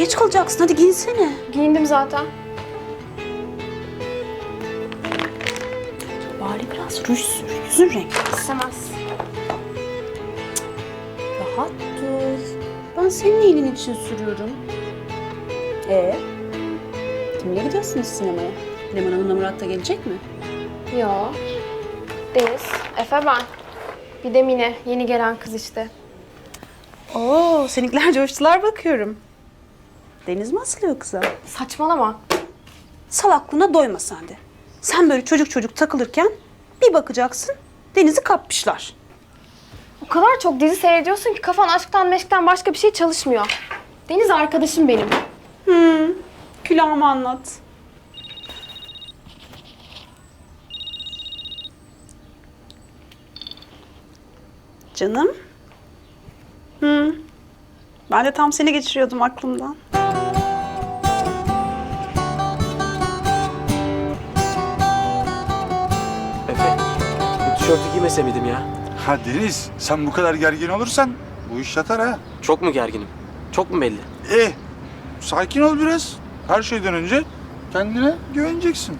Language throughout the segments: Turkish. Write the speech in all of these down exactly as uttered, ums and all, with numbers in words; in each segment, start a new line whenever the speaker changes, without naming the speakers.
geç kalacaksın. Hadi giyinsene.
Giyindim zaten.
Bari biraz ruj sür. Yüzün renkli.
İstemez.
Rahat dur. Ben senin iyiliğin için sürüyorum. Ee, kimle gidiyorsunuz sinemaya? Leman Hanım'la Murat da gelecek mi?
Yo. Deniz, Efe ben. Bir de Mine, yeni gelen kız işte.
Oo, seninkiler coştular bakıyorum. Deniz mi asılıyor kıza?
Saçmalama.
Salaklığına doyma sen de. Sen böyle çocuk çocuk takılırken bir bakacaksın Deniz'i kapmışlar.
O kadar çok dizi seyrediyorsun ki kafan aşktan meşkten başka bir şey çalışmıyor. Deniz arkadaşım benim.
Hmm, külahımı anlat. Canım. Hmm. Ben de tam seni geçiriyordum aklımdan.
Efe, bu tişörtü giymese miydim ya?
Ha Deniz, sen bu kadar gergin olursan bu iş yatar ha.
Çok mu gerginim? Çok mu belli?
Eh, sakin ol biraz. Her şeyden önce kendine güveneceksin.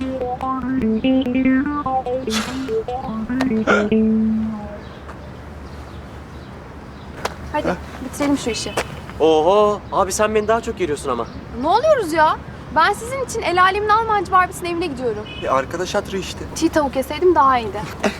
Hadi bitirelim şu işi.
Oho, abi sen beni daha çok geriyorsun ama.
Ne oluyoruz ya? Ben sizin için el alemin Almancı Barbie'sinin evine gidiyorum.
E arkadaş hatırı işte.
Çiğ tavuk yeseydim daha iyiydi.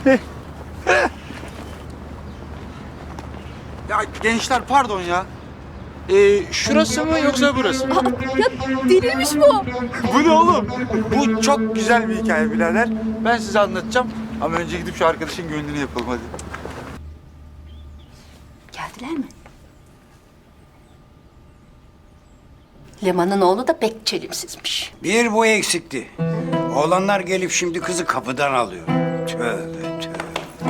Ya gençler pardon ya. Ee, şurası mı yoksa burası mı?
Ya delirmiş bu.
Bu ne oğlum? Bu çok güzel bir hikaye birader. Ben size anlatacağım. Ama önce gidip şu arkadaşın gönlünü yapalım hadi.
Geldiler mi? Leman'ın oğlu da pek çelimsizmiş.
Bir bu eksikti. Oğlanlar gelip şimdi kızı kapıdan alıyor. Tövbe tövbe.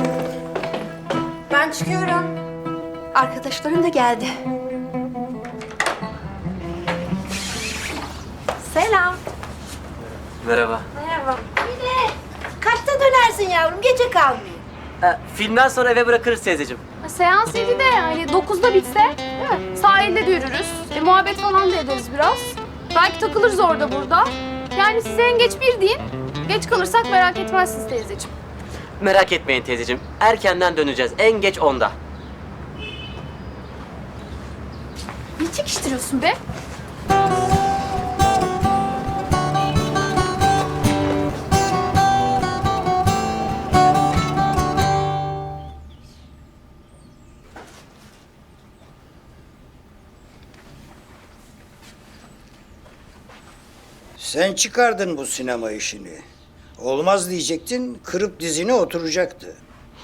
Ben çıkıyorum. Arkadaşlarım da geldi. Selam.
Merhaba.
Kaçta dönersin yavrum? Gece kalmayayım.
Ee, filmden sonra eve bırakırız teyzeciğim.
Seans yedide yani dokuzda bitse değil mi? Sahilde de yürürüz. E, muhabbet falan da ederiz biraz. Belki takılırız orada burada. Yani size en geç bir deyin. Geç kalırsak merak etmezsiniz teyzeciğim.
Merak etmeyin teyzeciğim. Erkenden döneceğiz. En geç onda.
Ne çekiştiriyorsun be?
Sen çıkardın bu sinema işini. Olmaz diyecektin, kırıp dizine oturacaktı.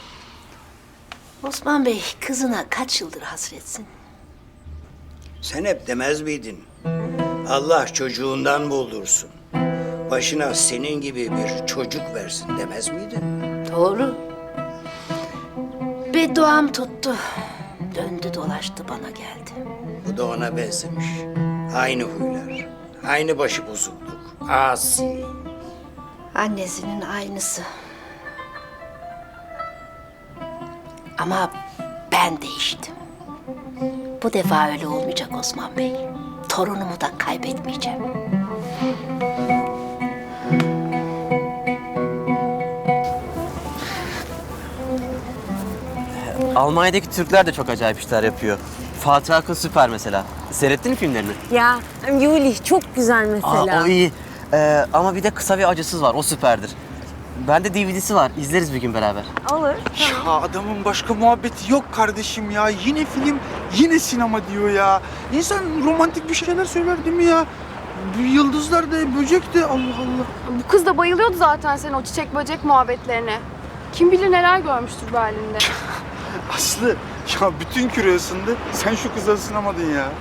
Osman Bey kızına kaç yıldır hasretsin?
Sen hep demez miydin? Allah çocuğundan buldursun. Başına senin gibi bir çocuk versin demez miydin?
Doğru. Bedduam tuttu. Döndü dolaştı bana geldi.
Bu da ona benzemiş. Aynı huylar, aynı başı bozukluk, asi.
Annesinin aynısı. Ama ben değiştim. Bu defa öyle olmayacak Osman Bey. Torunumu da kaybetmeyeceğim.
Almanya'daki Türkler de çok acayip işler yapıyor. Fatih Akın süper mesela. Seyrettin mi filmlerini?
Ya Yuli çok güzel mesela.
Aa, o iyi. Ee, ama bir de Kısa ve Acısız var. O süperdir. Bende D V D'si var. İzleriz bir gün beraber.
Olur.
Ya adamın başka muhabbeti yok kardeşim ya. Yine film, yine sinema diyor ya. İnsan romantik bir şeyler söyler değil mi ya? Bu yıldızlar da, böcek de Allah Allah.
Bu kız da bayılıyordu zaten senin o çiçek böcek muhabbetlerine. Kim bilir neler görmüştür Berlin'de.
Aslı, ya bütün küre ısındı. Sen şu kıza ısınamadın ya.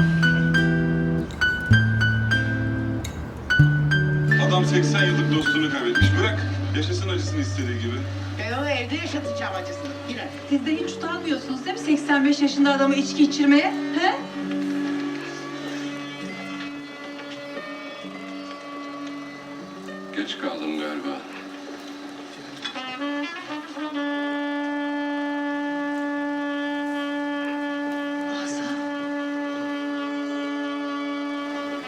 Adam seksen yıllık dostunu kaybetmiş. Bırak yaşasın acısını istediği gibi.
Ben onu evde yaşatacağım acısını. Yine. Siz de hiç utanmıyorsunuz değil mi seksen beş yaşında adamı içki içirmeye? He?
Geç kaldım galiba.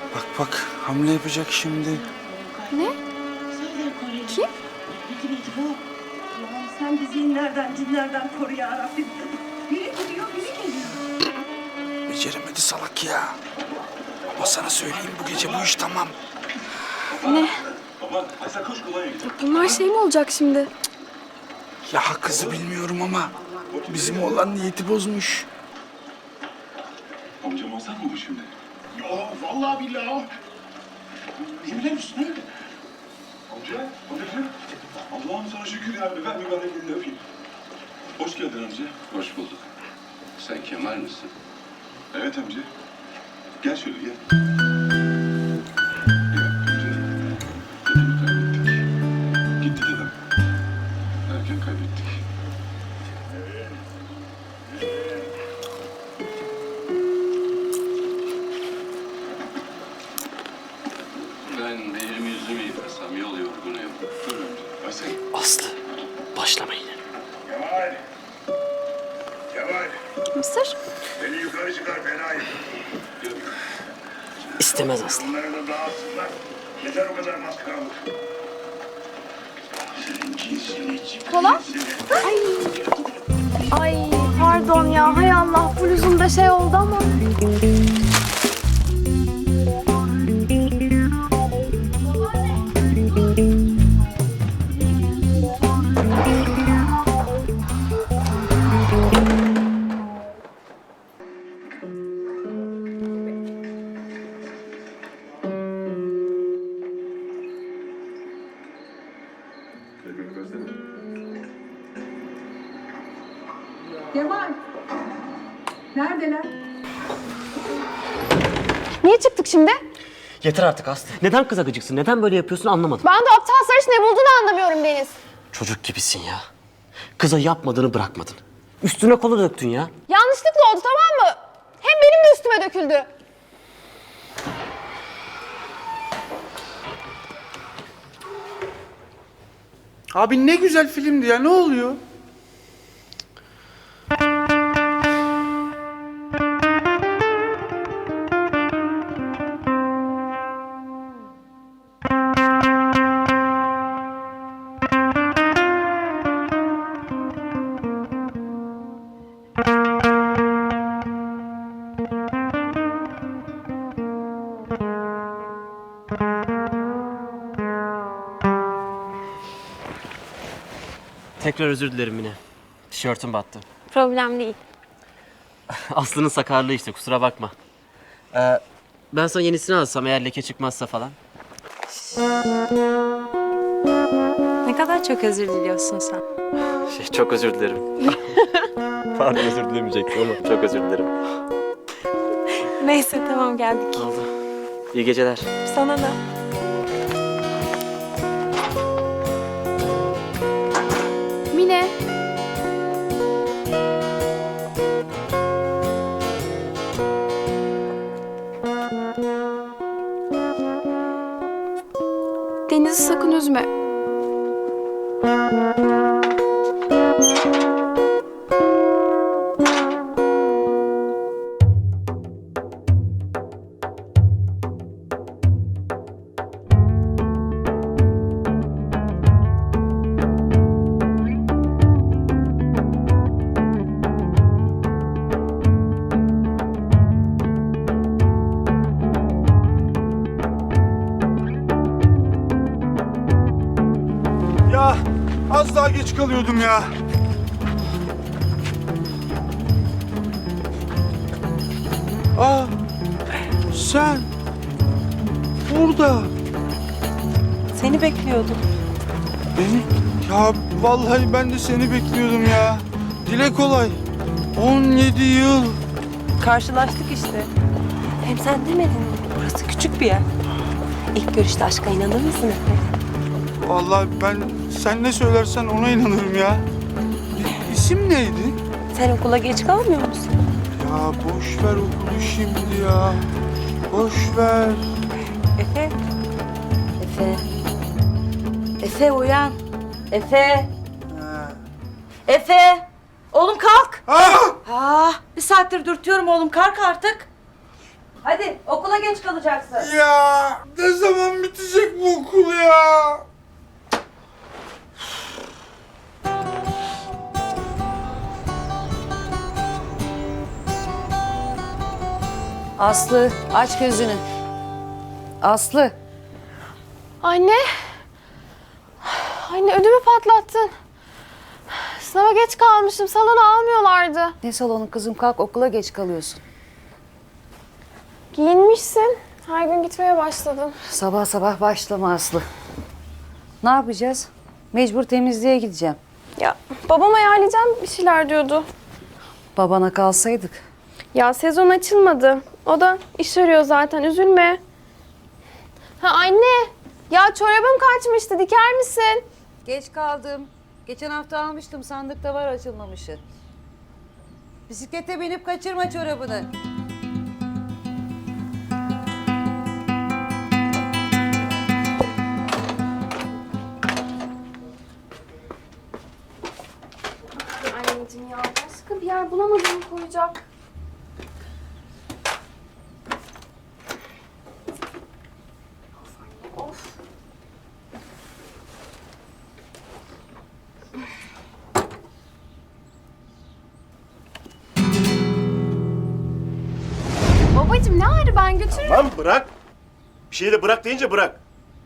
Bak bak hamle yapacak şimdi.
Ne? Kim?
Allah'ım sen bizi inlerden, cinlerden koru ya Rabbim. Biri gidiyor, biri geliyor.
Beceremedi salak ya. Ama sana söyleyeyim bu gece bu iş tamam.
Ne?
Aman Aysel koş kolaya git.
Bunlar şey mi olacak şimdi?
Ya kızı bilmiyorum ama bizim oğlan niyeti bozmuş.
Amcam olsan mı bu şimdi?
Ya vallahi billahi. Yemin misin?
Amca, amcacığım. Allah'ım sana şükür ya. Ver bir bana elini öpeyim. Hoş geldin amca.
Hoş bulduk. Sen Kemal misin?
Evet amca. Gel şöyle gel. Ya amca. Dedemi kaybettik. Gitti dedem. Erken kaybettik.
Ben bir elimi yüzümü yıkasam yol yorgunuyum.
Dur amca. Aysel.
Aslı, başlama yine.
Kemal. Kemal.
Mısır?
Beni yukarı çıkar Fenayım.
İstemez Aslı.
Bunları da dağıtsınlar. Yeter o kadar maskaralık. Senin cinsini çık.
Kola? Ay. Ay pardon ya. Hay Allah bluzumda şey oldu ama.
Kemal. Neredeler?
Niye çıktık şimdi?
Yeter artık Aslı. Neden kıza gıcıksın? Neden böyle yapıyorsun anlamadım.
Ben de aptal sarış ne bulduğunu anlamıyorum Deniz.
Çocuk gibisin ya. Kıza yapmadığını bırakmadın. Üstüne kola döktün ya.
Yanlışlıkla oldu tamam mı? Hem benim de üstüme döküldü.
Abi ne güzel filmdi ya ne oluyor?
Tekrar özür dilerim Mine. Tişörtüm battı.
Problem değil.
Aslı'nın sakarlığı işte kusura bakma. Ee, ben sana yenisini alsam eğer leke çıkmazsa falan.
Ne kadar çok özür diliyorsun sen.
Şey, çok özür dilerim. Pardon özür dilemeyecektim ama çok özür dilerim.
Neyse tamam geldik.
Oldu. İyi geceler.
Sana da.
Mine. Deniz'i sakın üzme.
Ya az daha geç kalıyordum ya. Aa sen burada.
Seni bekliyordum.
Beni? Ya vallahi ben de seni bekliyordum ya. Dile kolay. on yedi yıl.
Karşılaştık işte. Hem sen demedin mi? Burası küçük bir yer. İlk görüşte aşka inanır mısın Efe?
Vallahi ben sen ne söylersen ona inanırım ya. İ- İsim neydi?
Sen okula geç kalmıyor musun?
Ya boş ver okulu şimdi ya. Boş ver.
Efe. Efe. Efe uyan. Efe. Efe. Oğlum kalk.
Ah!
Ah, bir saattir dürtüyorum oğlum kalk artık. Hadi okula geç kalacaksın.
Ya ne zaman bitecek bu okul ya?
Aslı aç gözünü. Aslı.
Anne. Anne ödümü patlattın. Sınava geç kalmışım. Salona almıyorlardı.
Ne salonu kızım, kalk, okula geç kalıyorsun.
Giyinmişsin. Her gün gitmeye başladım.
Sabah sabah başlama Aslı. Ne yapacağız? Mecbur temizliğe gideceğim.
Ya babam ayarlayacağım bir şeyler diyordu.
Babana kalsaydık.
Ya sezon açılmadı. O da iş arıyor zaten. Üzülme. Ha anne. Ya çorabım kaçmıştı. Diker misin?
Geç kaldım. Geçen hafta almıştım, sandıkta var açılmamışı. Bisiklete binip kaçırma çorabını.
Anneciğim ya başka bir yer bulamadım koyacak. Of anne of. Babacığım ne ağrı, ben götürürüm.
Lan bırak. Bir şeyi de bırak deyince bırak.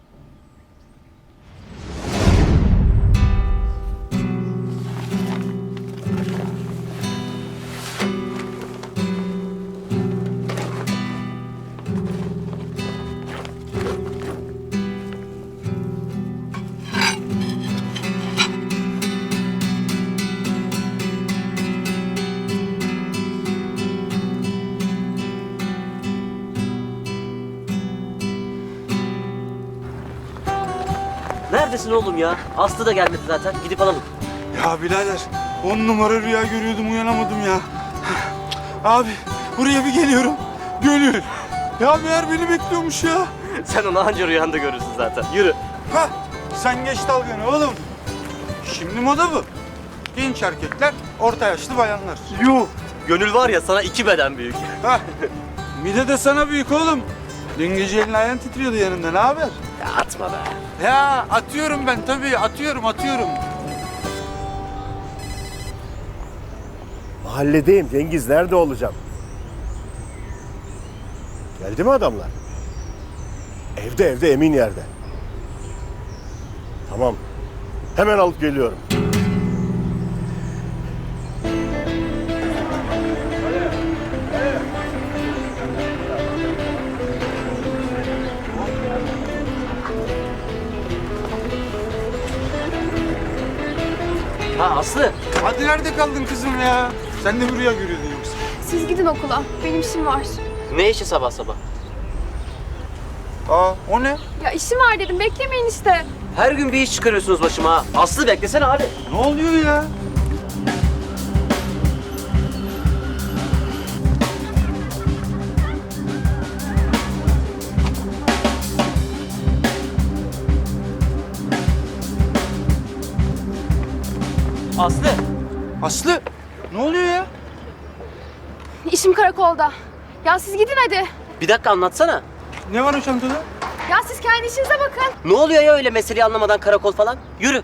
Neredesin oğlum ya? Aslı da gelmedi zaten. Gidip alalım.
Ya birader on numara rüya görüyordum uyanamadım ya. Abi buraya bir geliyorum. Gönül. Ya meğer beni bekliyormuş ya.
Sen onu anca rüyanda görürsün zaten. Yürü.
Hah sen geç dalganı oğlum. Şimdi moda bu. Genç erkekler, orta yaşlı bayanlar.
Yuh. Gönül var ya sana iki beden büyük.
Hah. Mide de sana büyük oğlum. Dün gece elin ayağın titriyordu yanında. Ne haber?
Ya atma be.
Ya atıyorum ben tabii. Atıyorum, atıyorum.
Mahalledeyim Cengiz. Nerede olacağım? Geldi mi adamlar? Evde evde emin yerde. Tamam. Hemen alıp geliyorum.
Ha Aslı.
Hadi nerede kaldın kızım ya? Sen de mi rüya görüyordun yoksa?
Siz gidin okula. Benim işim var.
Ne işi sabah sabah?
Aa o ne?
Ya işim var dedim. Beklemeyin işte.
Her gün bir iş çıkarıyorsunuz başıma ha. Aslı beklesene hadi.
Ne oluyor ya?
Aslı.
Aslı ne oluyor ya?
İşim karakolda. Ya siz gidin hadi.
Bir dakika anlatsana.
Ne var o çantada?
Ya siz kendi işinize bakın.
Ne oluyor ya öyle meseleyi anlamadan karakol falan? Yürü.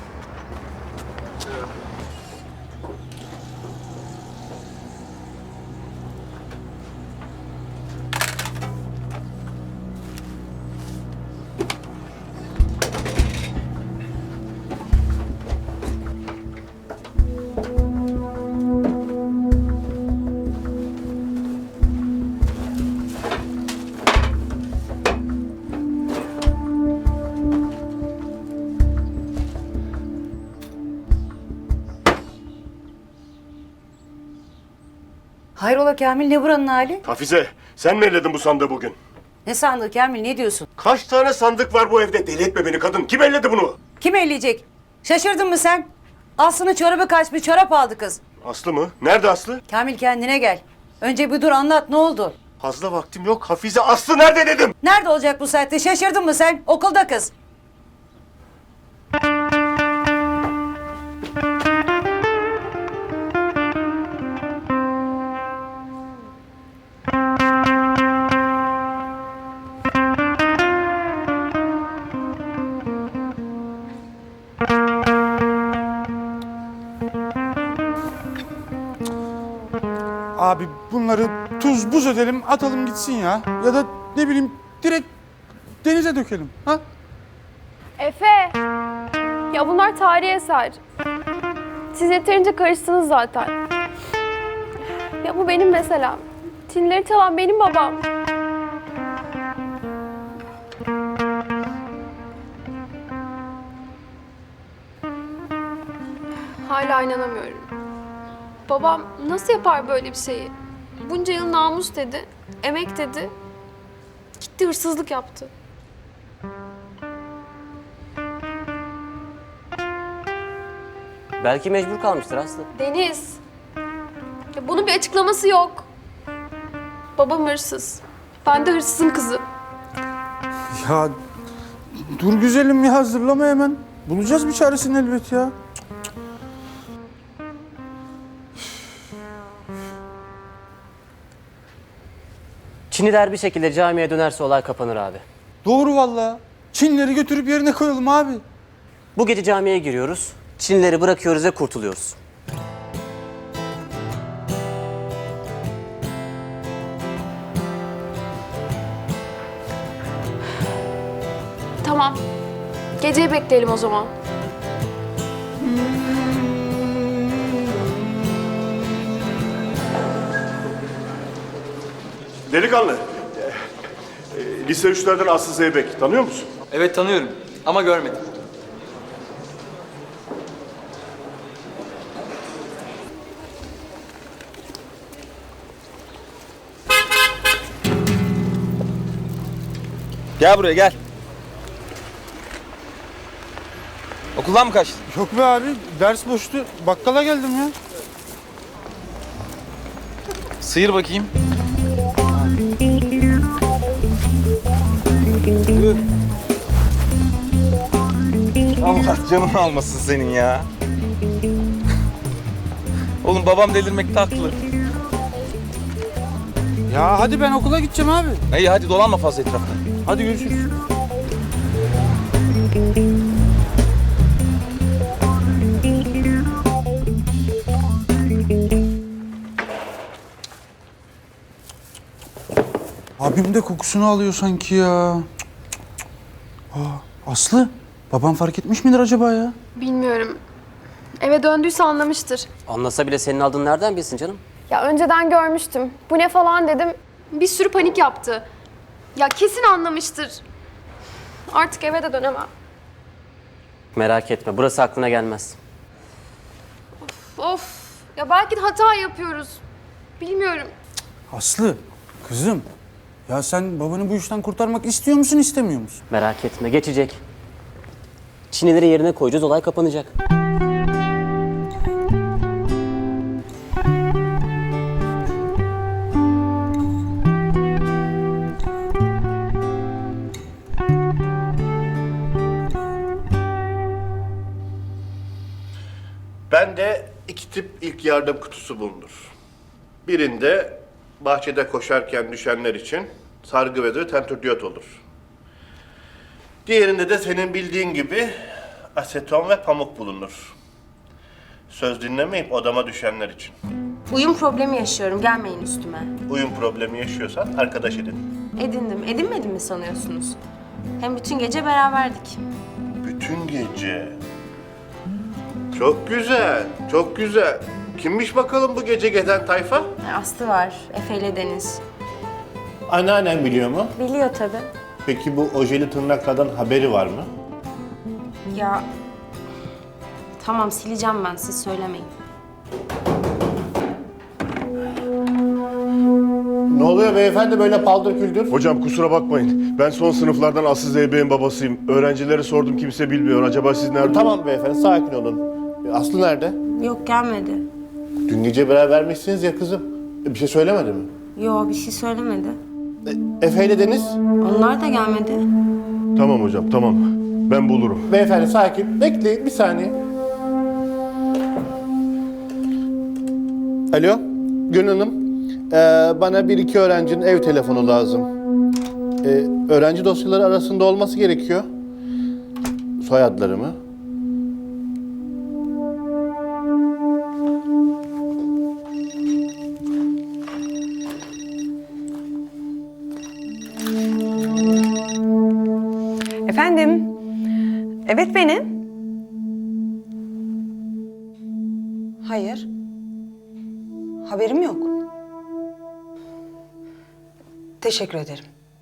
Hayrola Kamil, ne buranın hali?
Hafize, sen mi elledin bu sandığı bugün?
Ne sandığı Kamil, ne diyorsun?
Kaç tane sandık var bu evde? Deli etme beni kadın. Kim elledi bunu?
Kim elleyecek? Şaşırdın mı sen? Aslı'nın çorabı kaçmış, çorap aldı kız.
Aslı mı? Nerede Aslı?
Kamil kendine gel. Önce bir dur, anlat, ne oldu?
Fazla vaktim yok. Hafize, Aslı nerede dedim?
Nerede olacak bu saatte? Şaşırdın mı sen? Okulda kız.
Abi bunları tuz buz edelim, atalım gitsin ya. Ya da ne bileyim direkt denize dökelim. Ha?
Efe! Ya bunlar tarihi eser. Siz yeterince karıştınız zaten. Ya bu benim meselem. Çinleri çalan benim babam. Hala inanamıyorum. Babam nasıl yapar böyle bir şeyi? Bunca yıl namus dedi, emek dedi. Gitti hırsızlık yaptı.
Belki mecbur kalmıştır Aslı.
Deniz. Ya bunun bir açıklaması yok. Babam hırsız. Ben de hırsızın kızı.
Ya dur güzelim ya, hazırlama hemen. Bulacağız bir çaresini elbet ya.
Çiniler bir şekilde camiye dönerse olay kapanır abi.
Doğru vallahi. Çinleri götürüp yerine koyalım abi.
Bu gece camiye giriyoruz. Çinlileri bırakıyoruz ve kurtuluyoruz.
Tamam. Geceyi bekleyelim o zaman.
Delikanlı. e, e, Lise üçlerden Aslı Zeybek. Tanıyor musun?
Evet tanıyorum ama görmedim. Gel buraya gel. Okuldan mı kaçtın?
Yok be abi, ders boştu. Bakkala geldim ya.
Sıyır bakayım. Allah canını almasın senin ya. Oğlum babam delirmekte haklı.
Ya hadi ben okula gideceğim abi.
İyi hadi dolanma fazla etrafta.
Hadi görüşürüz. Abim de kokusunu alıyor sanki ya. Aa, Aslı, babam fark etmiş midir acaba ya?
Bilmiyorum. Eve döndüyse anlamıştır.
Anlasa bile senin aldığını nereden bilsin canım?
Ya önceden görmüştüm. Bu ne falan dedim. Bir sürü panik yaptı. Ya kesin anlamıştır. Artık eve de dönemem.
Merak etme, burası aklına gelmez.
Of. Ya belki de hata yapıyoruz. Bilmiyorum.
Aslı, kızım. Ya sen babanı bu işten kurtarmak istiyor musun, istemiyor musun?
Merak etme, geçecek. Çinileri yerine koyacağız, olay kapanacak.
Bende iki tip ilk yardım kutusu bulunur. Birinde bahçede koşarken düşenler için sargı bezi tentürdiyot olur. Diğerinde de senin bildiğin gibi aseton ve pamuk bulunur. Söz dinlemeyip odama düşenler için.
Uyum problemi yaşıyorum. Gelmeyin üstüme.
Uyum problemi yaşıyorsan arkadaş edin.
Edindim. Edinmedim mi sanıyorsunuz? Hem bütün gece beraberdik.
Bütün gece. Çok güzel, çok güzel. Kimmiş bakalım bu gece gezen tayfa?
Aslı var. Efe ile Deniz.
Anneannem biliyor mu?
Biliyor tabii.
Peki bu ojeli tırnaklardan haberi var mı?
Ya... Tamam sileceğim ben. Siz söylemeyin.
Ne oluyor beyefendi böyle paldır küldür? Hocam kusura bakmayın. Ben son sınıflardan Aslı Zeybek'in babasıyım. Öğrencilere sordum, kimse bilmiyor. Acaba siz nerede? Tamam beyefendi, sakin olun. Aslı nerede?
Yok gelmedi.
Dün gece berabermişsiniz ya kızım. Bir şey söylemedi mi?
Yok bir şey söylemedi.
Efe ile Deniz?
Onlar da gelmedi.
Tamam hocam, tamam. Ben bulurum. Beyefendi sakin. Bekleyin bir saniye. Alo, Gönül Hanım. Ee, bana bir iki öğrencinin ev telefonu lazım. Ee, öğrenci dosyaları arasında olması gerekiyor. Soyadları mı?
Efendim? Evet benim. Hayır. Haberim yok. Teşekkür ederim.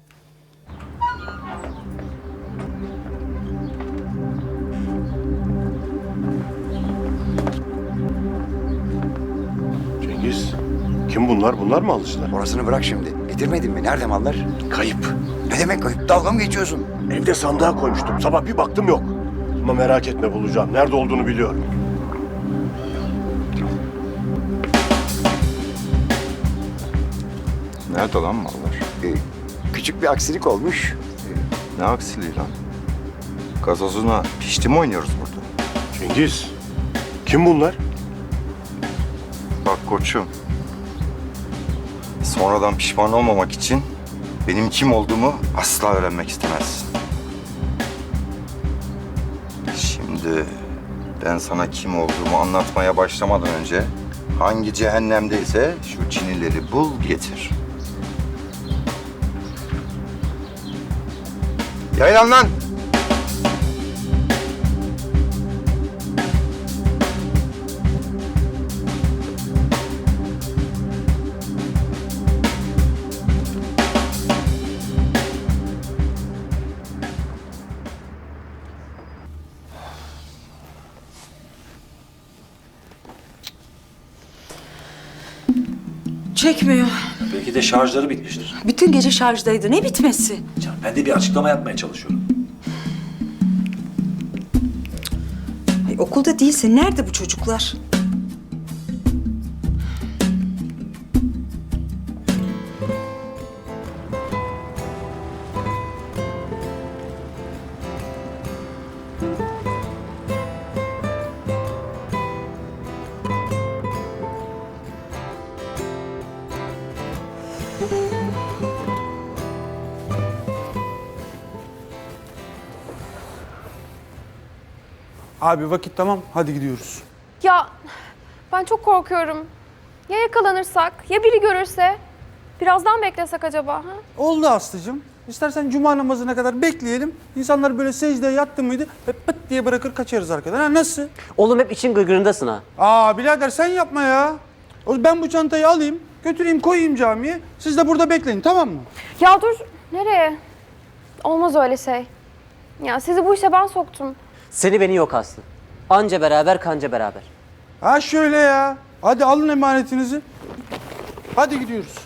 Cengiz, kim bunlar? Bunlar mı alışlar?
Orasını bırak şimdi. Getirmedin mi? Nerede mallar?
Kayıp.
Ne demek kayıp? Dalga mı geçiyorsun?
Evde sandığa koymuştum. Sabah bir baktım yok. Ama merak etme, bulacağım. Nerede olduğunu biliyorum.
Nerede lan mallar? Ee, küçük bir aksilik olmuş.
Ne aksiliği lan? Gazozuna pişti mi oynuyoruz burada?
Cengiz, kim bunlar?
Bak koçum. Sonradan pişman olmamak için benim kim olduğumu asla öğrenmek istemezsin. Şimdi ben sana kim olduğumu anlatmaya başlamadan önce hangi cehennemdeyse şu Çinileri bul getir. Yaylan lan!
Çekmiyor.
Belki de şarjları bitmiştir.
Bütün gece şarjdaydı. Ne bitmesi?
Canım, ben de bir açıklama yapmaya çalışıyorum.
Ay, okulda değilse nerede bu çocuklar?
Abi vakit tamam, hadi gidiyoruz.
Ya ben çok korkuyorum. Ya yakalanırsak? Ya biri görürse? Birazdan beklesek acaba? Ha?
Oldu Aslı'cığım. İstersen cuma namazına kadar bekleyelim. İnsanlar böyle secdeye yattı mıydı hep pıt diye bırakır kaçarız arkadan. Ha, nasıl?
Oğlum hep için gırgırındasın ha.
Aa birader sen yapma ya. O- Ben bu çantayı alayım, götüreyim koyayım camiye. Siz de burada bekleyin, tamam mı?
Ya dur. Nereye? Olmaz öyle şey. Ya sizi bu işe ben soktum.
Seni beni yok Aslı. Anca beraber kanca beraber.
Ha şöyle ya. Hadi alın emanetinizi. Hadi gidiyoruz.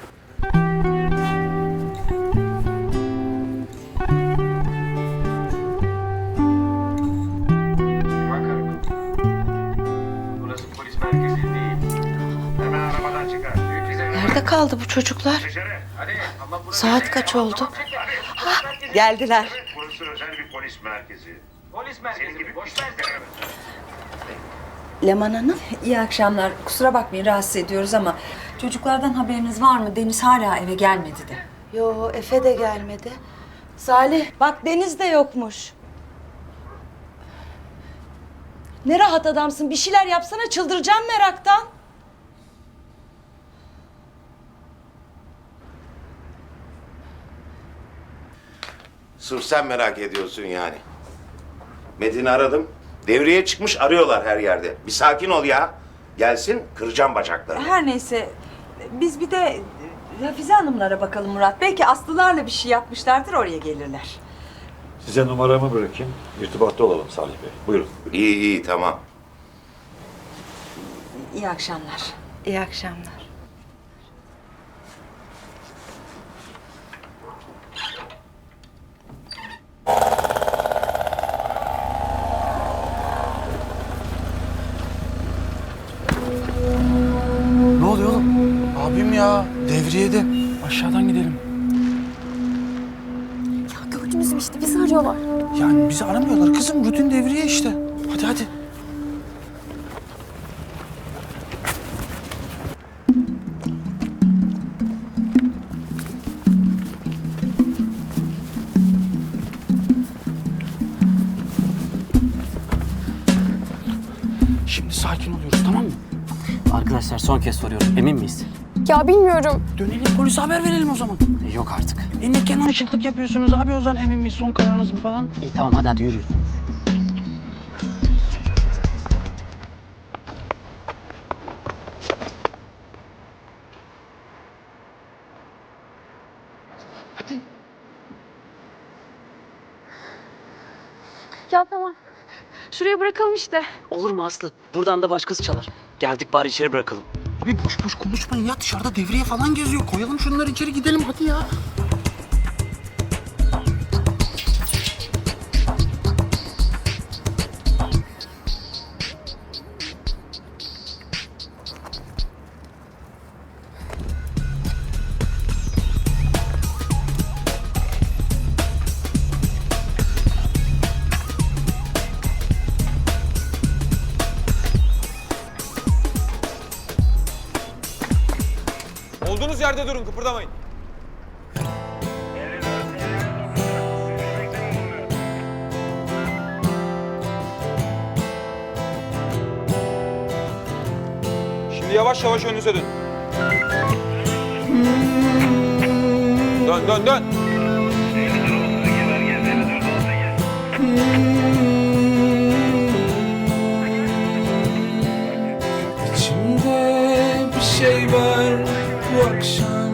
Burası polis merkezi değil. Hemen arabadan çıkar.
Nerede kaldı bu çocuklar?
Dışarı. Hadi. Ama burası
Saat kaç oldu?
Hah,
geldiler.
Burası özel bir polis merkezi. Polis merkezi. Senin gibi boş ver.
Leman Hanım.
İyi akşamlar. Kusura bakmayın rahatsız ediyoruz ama çocuklardan haberiniz var mı? Deniz hala eve gelmedi de.
Yo, Efe de gelmedi. Salih, bak Deniz de yokmuş. Ne rahat adamsın. Bir şeyler yapsana, çıldıracağım meraktan.
Sırf sen merak ediyorsun yani. Metin'i aradım. Devreye çıkmış, arıyorlar her yerde. Bir sakin ol ya. Gelsin, kıracağım bacaklarını.
Her neyse biz bir de Hafize Hanımlara bakalım Murat. Belki Aslılarla bir şey yapmışlardır, oraya gelirler.
Size numaramı bırakayım. İrtibatta olalım Salih Bey. Buyurun.
İyi iyi, tamam.
İyi akşamlar.
İyi akşamlar.
Ne oluyor oğlum? Abim ya, devriyede. Aşağıdan gidelim.
Ya gördünüz mü işte bizi arıyorlar.
Yani bizi aramıyorlar kızım, rutin devriye işte. Hadi hadi. Şimdi sakin oluyoruz, tamam mı?
Arkadaşlar son kez soruyorum. Emin miyiz?
Ya bilmiyorum.
Dönelim polise haber verelim o zaman.
Yok artık.
E ne kenar ışıklık yapıyorsunuz abi o zaman emin miyiz son kararınız mı falan?
İyi tamam hadi hadi yürü.
Ya tamam. Şuraya bırakalım işte.
Olur mu Aslı? Buradan da başkası çalar. Geldik bari içeri bırakalım.
Abi boş boş konuşmayın ya dışarıda devriye falan geziyor. Koyalım şunları içeri gidelim hadi ya.
Olduğunuz yerde durun, kıpırdamayın. Şimdi yavaş yavaş önünüze dön. Dön, dön, dön.
İçimde bir şey var bu akşam.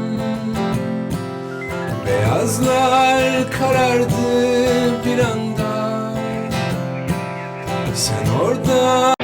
Beyazlar karardı bir anda. Sen orada